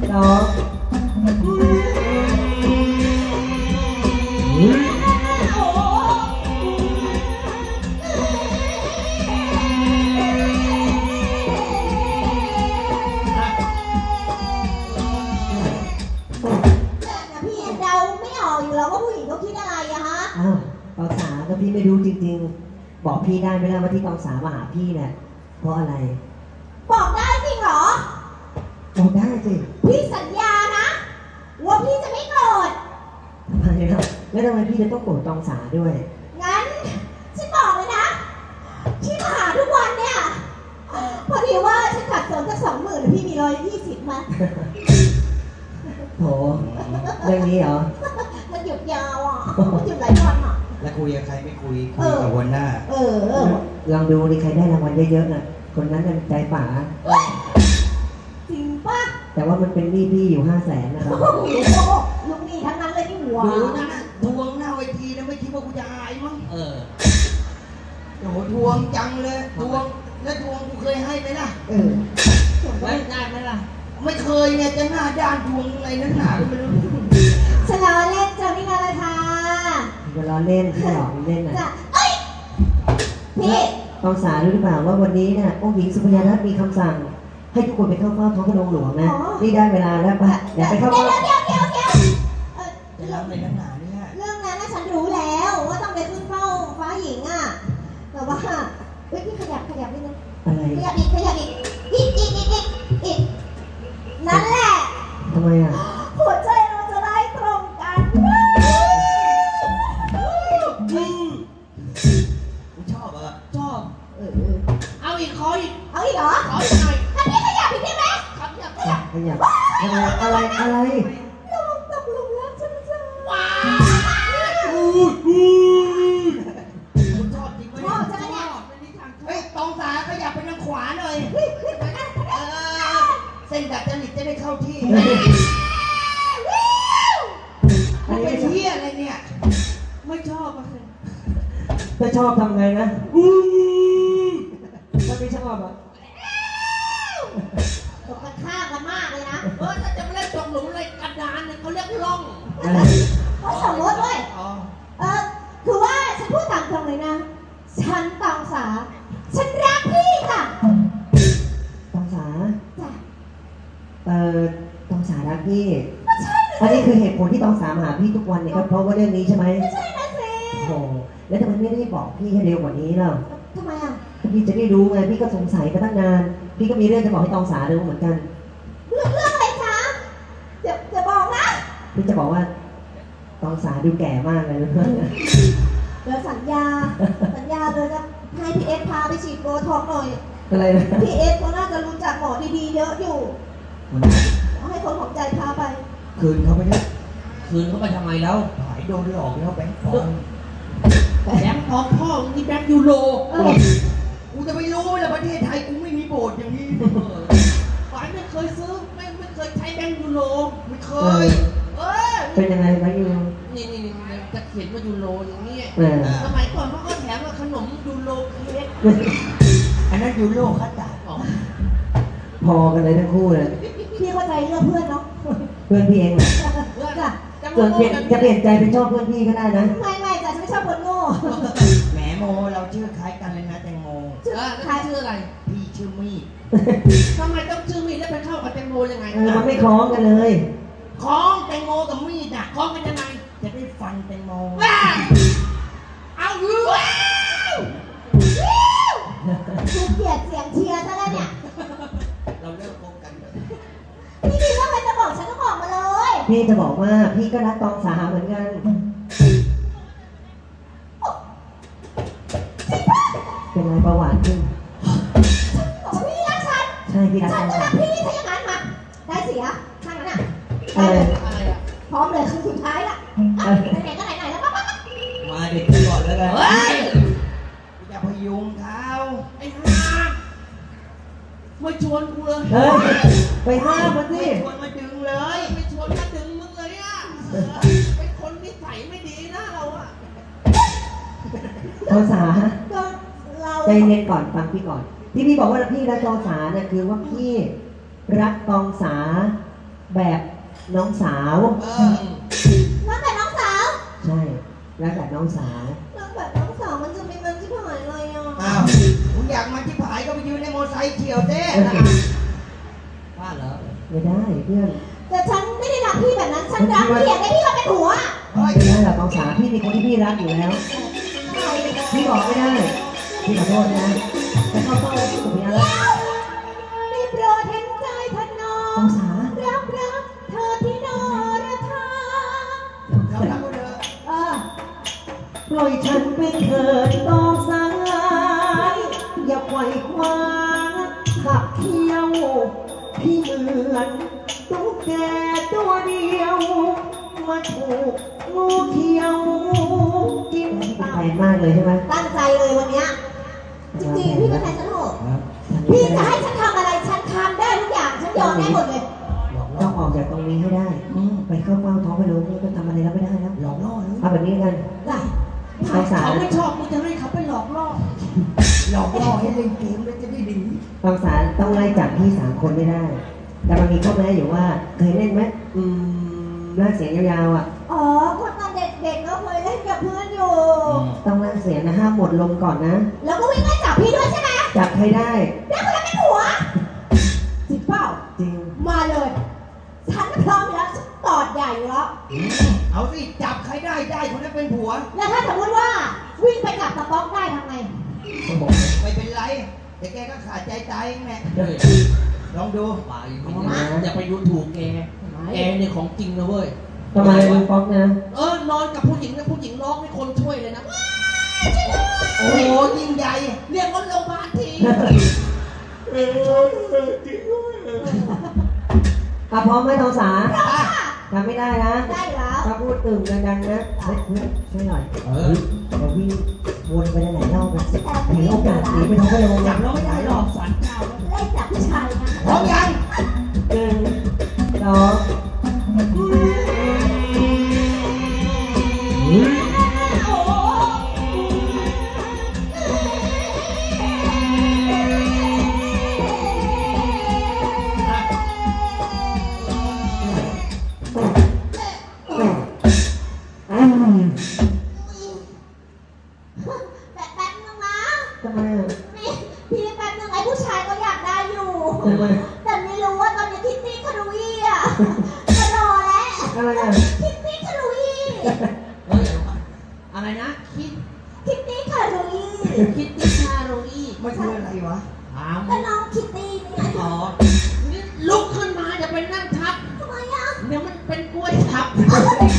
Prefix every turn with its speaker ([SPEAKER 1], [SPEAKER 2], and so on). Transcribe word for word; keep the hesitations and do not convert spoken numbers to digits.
[SPEAKER 1] สองอ้าวตองสาก็พี่ไม่รู้จริงๆบอกพี่ได้ไหมล่ะว่าที่ตองสามาหาพี่เนี่ยเพราะอะไร
[SPEAKER 2] บอกได้จริงเหรอ
[SPEAKER 1] บอกได้สิ
[SPEAKER 2] พี่สัญญานะว่าพี่จะไม่โกรธ
[SPEAKER 1] ทำไมล่ะแล้วทำไมพี่จะต้องโกรธตองสาด้วย
[SPEAKER 2] งั้นฉันบอกเลยนะที่มาหาทุกวันเนี่ยพอดีว่าฉันขัดสนสักสองหมื่นพี่มีร้อยยี่สิบมา
[SPEAKER 1] โถเรื่องนี้เหรอ
[SPEAKER 2] มันหยุดยาวอ่ะมันหยุดหลายวันอ่ะ
[SPEAKER 3] แล้วคุยกับใครไม่คุยคุยกับวันหน้า
[SPEAKER 2] เออ
[SPEAKER 1] ลองดูดิใครได้รางวัลเยอะๆน่ะคนนั้นเป็นใจป๋า
[SPEAKER 2] จริงป่ะ
[SPEAKER 1] แต่ว่ามันเป็นหนี้พี่อยู่ห้าแสนนะครับ
[SPEAKER 2] ลูกหนี้ทั้งนั้นเลยที่หัว
[SPEAKER 3] ดูนั่นน่ะทวงหน้าเวทีนะไม่คิดว่ากูจะอายมั้งเออโอ้โหทวงจังเลยทวงแล้วทวงกูเคยให้ไหมล่ะ
[SPEAKER 1] เออ
[SPEAKER 3] ไม่ได้ไหมล่ะไม่เคยเนี่ยจะหน้าด้านทวงอะไรนักหนาก็ไม่รู้
[SPEAKER 2] ฉลาเล่นจะไม่มาเลยค่ะ
[SPEAKER 1] จะล้อเล่นที่หลอกเล่นน่ะ
[SPEAKER 2] เอ้ยพี่
[SPEAKER 1] ตองสารู้หรือเปล่าว่าวันนี้เนี่ยองค์หญิงสุพรรณรัตน์มีคำสั่งให้ทุกคนไปเข้าเฝ้าท้องพระโรงหลวงนะนี่ได้เวลาแล้วป่ะอย่าไปเข้าเฝ้า
[SPEAKER 2] เดี๋ยวเดี๋ยวเดี๋ยว
[SPEAKER 3] จะรับอะไรนักหนาเนี่ย
[SPEAKER 2] เรื่องนั้นฉันรู้แล้วว่าต้องไปขึ้นเฝ้าฟ้าหญิงอ่ะแต่ว่าเฮ้ยพี่ขยับขยับนิดนึง
[SPEAKER 1] อะไร
[SPEAKER 2] ขยับอีกขยับอีกอีกอีกอีกอีกอีกนั่นแหละ
[SPEAKER 1] ทำไมอ่ะ
[SPEAKER 2] หัวใจเราจะได้ตรงกัน
[SPEAKER 3] กูชอบอ่ะชอบ
[SPEAKER 2] เออ
[SPEAKER 3] เอาอีกขออีก
[SPEAKER 2] เอาอีกเหรอ
[SPEAKER 3] ขออีกหน่อย
[SPEAKER 2] อันนี้ขยับอีกได้ไหม
[SPEAKER 3] ขยับขยับ
[SPEAKER 1] ขยับอะไรอะไรอะไร
[SPEAKER 2] ลงตกลงแล้วฉันจะ
[SPEAKER 3] ว้าวกูชอบจริงไหม
[SPEAKER 2] ชอบจังเนี่ย
[SPEAKER 3] เฮ้ยตองสาขยับไปทางขวาหน่อยเออเส้นดัดจริตจะได้เข้าที่มันเป็นเหี้ยอะไรเนี่ยไม่ชอบอ่ะ
[SPEAKER 1] ถ้าชอบทำไงนะถ้าไม่ชอบอ่ะ
[SPEAKER 2] ตกกันข้ามกันมากเลยนะ
[SPEAKER 3] เออถ้าจะไม่เล่นตกหลุมอะไรกระดานเนี่ยเขาเรียกล่อง
[SPEAKER 2] เขาสมมติด้วยเออคือว่าฉันพูดตามตรงเลยนะฉันตองสาฉันรักพี่ค่ะ
[SPEAKER 1] ตองสา
[SPEAKER 2] จ้ะ
[SPEAKER 1] เอ่อตองสารักพี่อันนี้คือเหตุผลที่ตองสามาหาพี่ทุกวันเนี่ยก็เพราะว่าเรื่องนี้ใช่ไหม
[SPEAKER 2] ไม่ใช่นะสิ
[SPEAKER 1] โอ้แล้วทำไมไม่ได้บอกพี่ให้เร็วกว่านี้ล่ะ
[SPEAKER 2] ทำไมอ่ะ
[SPEAKER 1] พี่จะได้รู้ไงพี่ก็สงสัยมาตั้งนานพี่ก็มีเรื่องจะบอกให้ตองสารู้เหมือนกัน
[SPEAKER 2] เรื่องเรื่องอะไรคะเดี๋ยวจะบอกนะ
[SPEAKER 1] พี่จะบอกว่าตองสาดูแก่มากเลยนะ
[SPEAKER 2] เดี๋ยวสัญญาสัญญาเลยจะให้พี่เอสพาไปฉีดโบท็อกซ์หน่อย
[SPEAKER 1] อะไรนะ
[SPEAKER 2] พี่เอสเขาน่าจะรู้จักหมอดีๆเยอะอยู่ให้คนของใจพาไป
[SPEAKER 3] คืนเขาไปเนี่ยคืนเขาไปทำไมแล้วหายโดนหลอกแล้วแบงค์ฟองแบงค์ฟองพ่อมึงนี่แบงค์ยูโรกูจะไปรู้ไหมล่ะประเทศไทยกูไม่มีโบสถ์อย่างนี้ฝ่ายไม่เคยซื้อไม่ไม่เคยใช้แบงค์ยูโรไม่เคยเออ
[SPEAKER 1] เป็นยังไงแบงค์ยูโร
[SPEAKER 3] นี่นี่นี่จะเขียนว่ายูโรอย่างนี้สมัยก่อนเขาก็แถมขนมยูโรเค้กอันนั้นยูโรคัตตาอ๋อ
[SPEAKER 1] พอกันเลยทั้งคู่เลย
[SPEAKER 2] พี่เข้าใจเรื่องเพื่อนเนาะ
[SPEAKER 1] เพื่อนพี่เองเหรอ
[SPEAKER 2] เพื่อนอะ
[SPEAKER 1] ส่วนเปลี่ยนจะเปลี่ยนใจเป็นชอบเพื่อนพี่ก็ได้นะ
[SPEAKER 2] ไม่ไม่แต่ฉันไม่ชอบคนโง่
[SPEAKER 3] แหมโมเราชื่อคล้ายกันเลยนะแตงโม
[SPEAKER 2] คล้ายชื่ออะไร
[SPEAKER 3] พี่ชื่อมีดทำไมต้องชื่อมีดแล้วไปเข้ากับแตงโมยังไง
[SPEAKER 1] เออมันไม่คล้องกันเลย
[SPEAKER 3] คล้องแตงโมกับมีดอ่ะคล้องกันยังไงจะได้ฟันแตงโมเอาอยู่
[SPEAKER 2] คือเกลียดเสียงเชียร์ซะแล้วเนี่ย
[SPEAKER 3] เราเลิกคบกันเลย
[SPEAKER 2] พี่มีเรื่องอะไรจะบอกฉันก็บอกมาเลย
[SPEAKER 1] พี่จะบอกว่าพี่ก็รักตองสาเหมือนกันเป็นไรประวัติขึ้น
[SPEAKER 2] บอกว่าพี่รักฉัน
[SPEAKER 1] ใช่พี่รัก
[SPEAKER 2] ฉันจะรักพี่ถ้าอย่างนั้นมาได้เสียข้างนั้นอ่ะ
[SPEAKER 1] อะไร
[SPEAKER 3] อะไรอ่ะ
[SPEAKER 2] พร้อมเลยคือสุดท้ายละไหนๆก็ไหนๆแล้วมา
[SPEAKER 3] มาเด็กก่อนแล้วกันเฮ้ยอย่าพยุงเท้าไอ้ห่าไม่ชวนกูเลย
[SPEAKER 1] เฮ้ยไปห้ามมันสิ
[SPEAKER 3] ชวนมาดึงเลยไม่ชวนมาดึงมึงเลยอ่ะเป็นคนนิสัยไม่ดีนะเราอ่ะ
[SPEAKER 1] ตองสา
[SPEAKER 2] เรา
[SPEAKER 1] ใจเย็นก่อนฟังพี่ก่อนที่พี่บอกว่าพี่รักตองสาเนี่ยคือว่าพี่รักตองสาแบบน้องสาว
[SPEAKER 3] เออ
[SPEAKER 2] รักแบบน้องสาว
[SPEAKER 1] ใช่รักแบบน้องสาว
[SPEAKER 2] รักแบบน้องสาวมันจะมีมันที่หายเลยอ่ะ
[SPEAKER 3] อ้าวมึงอยากมาที่ผายก็ไปยืนในมอเตอร์ไซค์เฉียวเต้ว่าเหรอ
[SPEAKER 1] ไม่ได้เพื่อน
[SPEAKER 2] แต่ฉันไม่ได้รักพี่แบบนั้น ฉันรักพี่อยากได้พี่มาเป็นผัว
[SPEAKER 3] เฮ้ย
[SPEAKER 1] ไม่ได้หรอกน้องสาวพี่มีคนที่พี่รักอยู่แล้ว พี่บอกไม่ได้ พี่ขอโทษนะแต่เข้าเป้าสุดยอดแล้ว
[SPEAKER 2] ได้โปรดเห็นใจท่านน้อ
[SPEAKER 1] น้อง งสาว
[SPEAKER 2] รักรักเธอที่นอระทา
[SPEAKER 3] เขารักกูเถอะ
[SPEAKER 2] เออ
[SPEAKER 1] ปล่อยฉันเป็นเถิดน้องสาวอย่าไขว่คว้าขับเที่ยว พี่เหมือนตุ๊กแกตัวเดียว มาถูกงูเขียวกินตายมากเลยใช่ไหม
[SPEAKER 2] ตั้งใจเลยวันเนี้ยจริงๆพี่ก็แพ้ฉันโหด
[SPEAKER 3] ครับ
[SPEAKER 2] พี่จะให้ฉันทำอะไรฉันทำได้ทุกอย่างฉันยอมได้หมดเลย
[SPEAKER 3] หลอก
[SPEAKER 1] ต้
[SPEAKER 3] ล่
[SPEAKER 1] อ
[SPEAKER 3] อง
[SPEAKER 1] ออกจากตรงนี้ให้ได้ ไปเข้าเฝ้าท้องพระโล้นี่ก็ทำอะไรแล้วไม่ได้แล้ว
[SPEAKER 3] หลอกล่อเลย
[SPEAKER 1] เอาแบบนี้กัน
[SPEAKER 2] ได้
[SPEAKER 1] น้องสาว
[SPEAKER 3] เขาไม่ชอบมึงจะให้เขาไปหลอกล่อหลอกล่อให้เล่นเกมแล้วจะได้ดี
[SPEAKER 1] น้องสาวต้องไล่จับพี่สามคนไม่ได้ แต่มันมีข้อแม้อยู่ว่าเคยเล่นไหมอืมลากเสียงยาวๆอ่ะ
[SPEAKER 2] อ๋อคนตอนเด็กๆก็เคยเล่นกับเพื่อนอยู่
[SPEAKER 1] ต้องลากเสียงนะห้ามหมดลมก่อนนะ
[SPEAKER 2] แล้วก็วิ่งไล่จับพี่ด้วยใช่ไหม
[SPEAKER 1] จับใครได้
[SPEAKER 2] แล้วคนนั้นเป็นผัวจริงเปล่า
[SPEAKER 1] จริง
[SPEAKER 2] มาเลย ฉันพร้อมอยู่แล้วฉันตอดใหญ่อยู่แล้ว
[SPEAKER 3] เอาสิจับใครได้ได้คนนั้นเป็นผัว
[SPEAKER 2] แล้วถ้าสมมติว่าวิ่งไปกับตะป๊อกได้ทำไง
[SPEAKER 3] ไม่เป็นไรแต่แกก็ขาดใจตายเองแหละลองดู
[SPEAKER 4] ไปอย่าไปดูถูกแก แกเนี่ยของจริงนะเว้ย
[SPEAKER 1] ทำไมลุงป๊อกนะ
[SPEAKER 4] เออนอนกับผู้หญิงนะผู้หญิงร้องให้คนช่วยเลยนะ
[SPEAKER 3] โอ้โหยิ่งใหญ่
[SPEAKER 4] เรียกรถโรงพยาบาลที
[SPEAKER 1] อ่ะพร้อมไหมทองสา
[SPEAKER 3] อ่ะ
[SPEAKER 1] ทำไม่ได้นะ
[SPEAKER 2] ได้แล้ว
[SPEAKER 1] ถ้าพูดตึงดังๆนะเฮ้ยเพื่อนช่วยหน่อย
[SPEAKER 3] เออ
[SPEAKER 1] เดี๋ยววิ่งวนไปหลายๆรอบนะเห็นโอกาสหนีไปท้องพระโล้
[SPEAKER 4] จับเราไม่ได้หรอกสารเจ้าแล้ว
[SPEAKER 2] ไล่จับผู้ชายนะ
[SPEAKER 3] พร้อมยัง
[SPEAKER 1] หนึ่งสอง
[SPEAKER 2] โอ้โห
[SPEAKER 1] อืม
[SPEAKER 2] แป๊บแป๊บนึงนะ
[SPEAKER 1] ทำไมอ่ะ
[SPEAKER 2] นี่พี่แป๊บนึงไอ้ผู้ชายก็อยากได้อยู่
[SPEAKER 1] ทำไม
[SPEAKER 2] แต่ไม่รู้ว่าตอนนี้คิตตี้คารุยอ่ะจะรอแล้ว
[SPEAKER 1] อะไรอ่ะ
[SPEAKER 2] คิตตี้คารุย
[SPEAKER 4] เฮ้ยอะไรนะ คิด
[SPEAKER 2] คิตตี้คารุย
[SPEAKER 4] คิดติชาโรอี
[SPEAKER 3] มันคืออะไรวะ
[SPEAKER 4] ถาม
[SPEAKER 2] ก็น้องคิตตี้เนี่ย
[SPEAKER 4] อ๋อนี่ลุกขึ้นมาอย่าไปนั่งทับ
[SPEAKER 2] ทำไมอ่ะ
[SPEAKER 4] เดี๋ยวมันเป็นกล้วยทับ
[SPEAKER 2] เ